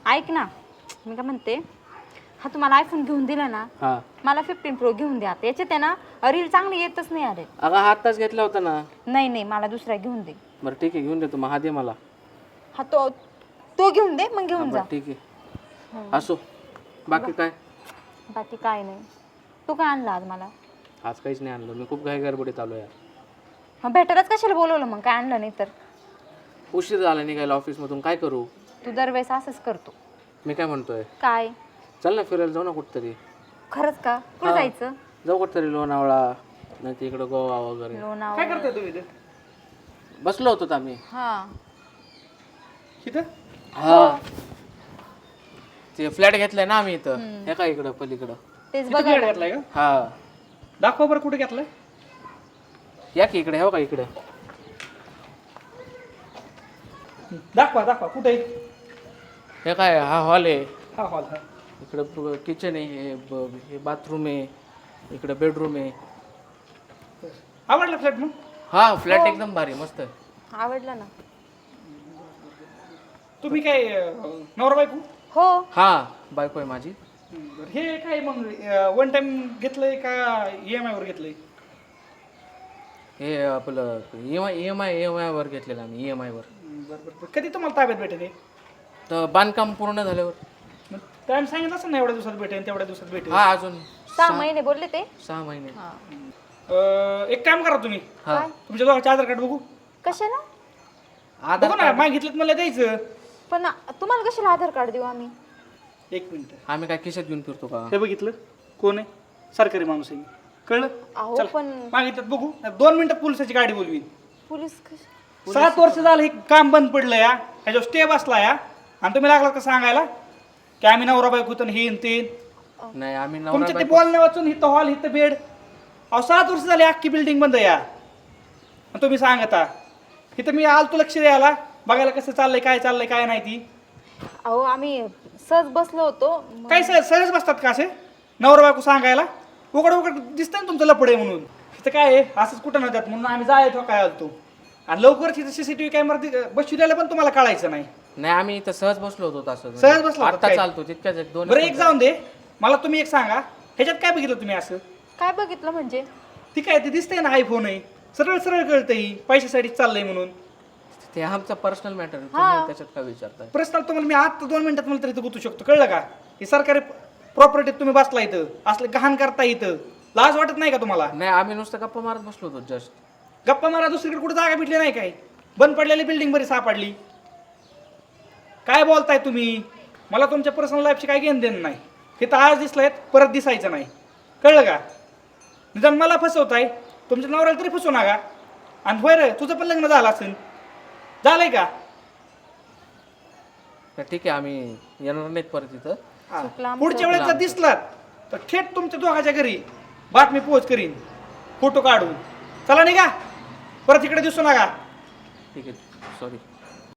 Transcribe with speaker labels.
Speaker 1: ऐक ना, मी काय म्हणते, हा तुम्हाला आयफोन घेऊन दिला ना,
Speaker 2: हा
Speaker 1: मला 15 प्रो घेऊन द्या. याच्यात आहे ना रील चांगली येतच नाही. अरे
Speaker 2: अगं हा आत्ताच घेतला होता ना.
Speaker 1: नाही नाही, मला दुसरा घेऊन दे.
Speaker 2: बरं ठीक आहे, घेऊन देतो. मग हा दे मला.
Speaker 1: हा तो तो घेऊन दे, मग घेऊन जा.
Speaker 2: बरं ठीक आहे, असो. बाकी काय?
Speaker 1: बाकी काय नाही. तू काय आणलं आज मला?
Speaker 2: आज काहीच नाही आणलं, मी खूप घाई गडबडीत आलो यार.
Speaker 1: मग भेटायलाच कशाला बोलवलं मग? काय आणलं नाही तर?
Speaker 2: उशीर झाला निघायला ऑफिसमधून, काय करू?
Speaker 1: तू दरवेळेस असंच करतो.
Speaker 2: मी काय म्हणतोय,
Speaker 1: काय?
Speaker 2: चल ना फिरायला जाऊ ना कुठतरी.
Speaker 1: खरंच का? कुठं जायचं?
Speaker 2: जाऊ कुठतरी, लोणावळा नाही तर इकडं गोवा वगैरे.
Speaker 1: लोणावळा.
Speaker 3: काय करताय तुम्ही इथे?
Speaker 2: बसलो होतो आम्ही.
Speaker 1: हा
Speaker 3: इथं?
Speaker 2: हा ते फ्लॅट घेतलाय ना आम्ही इथं. हे काय इकडं पलीकडं.
Speaker 1: तेच
Speaker 3: इथं
Speaker 1: बघा.
Speaker 3: फ्लॅट घेतलाय का?
Speaker 2: हा
Speaker 3: दाखवा बरं कुठे घेतलाय.
Speaker 2: या की इकडे, हो का इकडे.
Speaker 3: दाखवा दाखवा कुठे?
Speaker 2: हे काय, हा हॉल आहे.
Speaker 3: हा हॉल. हा
Speaker 2: इकडं किचन आहे, हे बाथरूम आहे, इकडं बेडरूम आहे.
Speaker 3: आवडला फ्लॅट मग?
Speaker 2: हा फ्लॅट एकदम भारी, मस्त.
Speaker 1: आवडलं ना?
Speaker 3: तुम्ही काय नवरा बायको?
Speaker 1: हो.
Speaker 2: हा बायको आहे माझी.
Speaker 3: हे काय मग वन टाइम घेतलंय का EMI वर घेतलंय?
Speaker 2: हे आपलं EMI वर घेतलेलं आम्ही, EMI वर.
Speaker 3: बरं. कधी तुम्हाला ताब्यात भेटेल हे?
Speaker 2: तर बांधकाम पूर्ण झाल्यावर.
Speaker 3: टाइम सांगितलं असं ना, एवढ्या दिवसात भेटेल तेवढ्या दिवसात भेटेल.
Speaker 2: हा अजून
Speaker 1: 6 महिने बोलले ते.
Speaker 2: 6 महिने.
Speaker 1: हा.
Speaker 3: एक काम करा तुम्ही,
Speaker 2: हा
Speaker 3: तुमच्या दोघांचे आधार कार्ड बघू.
Speaker 1: कशाला?
Speaker 2: आधार
Speaker 3: बघू ना, मागितलं मला द्यायचं.
Speaker 1: पण तुम्हाला कशाला आधार कार्ड देऊ आम्ही?
Speaker 3: एक मिनिट.
Speaker 2: आम्ही काय खिशात घेऊन फिरतो का?
Speaker 3: हे बघितलं कोण आहे? सरकारी माणूस आहे. कळलं?
Speaker 1: अहो
Speaker 3: चला.
Speaker 1: पण
Speaker 3: मागितलं बघू. 2 मिनिटात पोलिसाची गाडी बोलवीन.
Speaker 1: पोलीस
Speaker 3: 7 वर्ष झालं हे काम बंद पडलं या, ह्याच्यावर स्टे बसला या, आणि तुम्ही लागला का सांगायला की आम्ही नवरा बायको तर हे ते.
Speaker 2: नाही आम्ही नवरा
Speaker 3: तुमच्या ते
Speaker 2: बायको.
Speaker 3: बोलण्या वाचून इथं हॉल इथं बेड. अहो 7 वर्ष झाली अख्खी बिल्डिंग बंद या, आणि तुम्ही सांगता. इथं मी आलतो लक्ष द्यायला, बघायला कसं चाललंय काय नाही ती.
Speaker 1: अहो आम्ही सहज बसलो होतो.
Speaker 3: काय सहज बसतात का असे नवरा बायको सांगायला? उघड दिसतंय ना तुमचं लपडे म्हणून. इथं काय आहे, असंच कुठं नव्हत्यात म्हणून आम्ही जायचो काय आलतो. आणि लवकरच इथं CCTV कॅमेरा बसविल्याला पण तुम्हाला कळायचं नाही.
Speaker 2: नाही आम्ही इथं सहज बसलो होतो तसं.
Speaker 3: सहज बसला होता
Speaker 2: आता
Speaker 3: काय?
Speaker 2: चालतो तितक्याच एक दोन.
Speaker 3: बरं एक जाऊन दे, मला तुम्ही एक सांगा, ह्याच्यात काय बघितलं तुम्ही असं?
Speaker 1: काय बघितलं म्हणजे?
Speaker 3: ती काय ते दिसतंय ना, आयफोन आहे, सरळ कळतंय पैशासाठी चाललंय म्हणून.
Speaker 2: ते आमचा पर्सनल मॅटर आहे,
Speaker 1: हा.
Speaker 2: तुम्ही त्याच्यात काय विचारताय?
Speaker 3: पर्सनल तुम्हाला मी आता 2 मिनिटात मला तरी इथं गुतू शकतो, कळलं का? ही सरकारी प्रॉपर्टीत तुम्ही बसला इथं, असलं गहाण करता इथं, लाज वाटत नाही का तुम्हाला?
Speaker 2: नाही आम्ही नुसतं गप्पा मारत बसलो होतो जस्ट.
Speaker 3: गप्पा मारा, दुसरीकडे कुठे जागा भेटली नाही काय? बंद पडलेली बिल्डिंग बरी सापडली. काय बोलताय तुम्ही? मला तुमच्या पर्सनल लाईफची काही घेणं देणं नाही. हे तर आज दिसलंय, परत दिसायचं नाही, कळलं का? निदान मला फसवताय, तुमच्या नवऱ्याला तरी फसवू नका. आणि होय रे, तुझं पण लग्न झालं असेल, झालंय का?
Speaker 2: तर ठीक आहे, आम्ही येणार नाहीत परत इथं.
Speaker 3: हा.
Speaker 1: चुकलं आमचं.
Speaker 3: पुढच्या वेळेस जर दिसलात तर थेट तुमच्या दोघाच्या घरी बातमी पोहोच करीन, फोटो काढून. चला निघा, परत इकडे दिसू नका.
Speaker 2: ठीक आहे, सॉरी.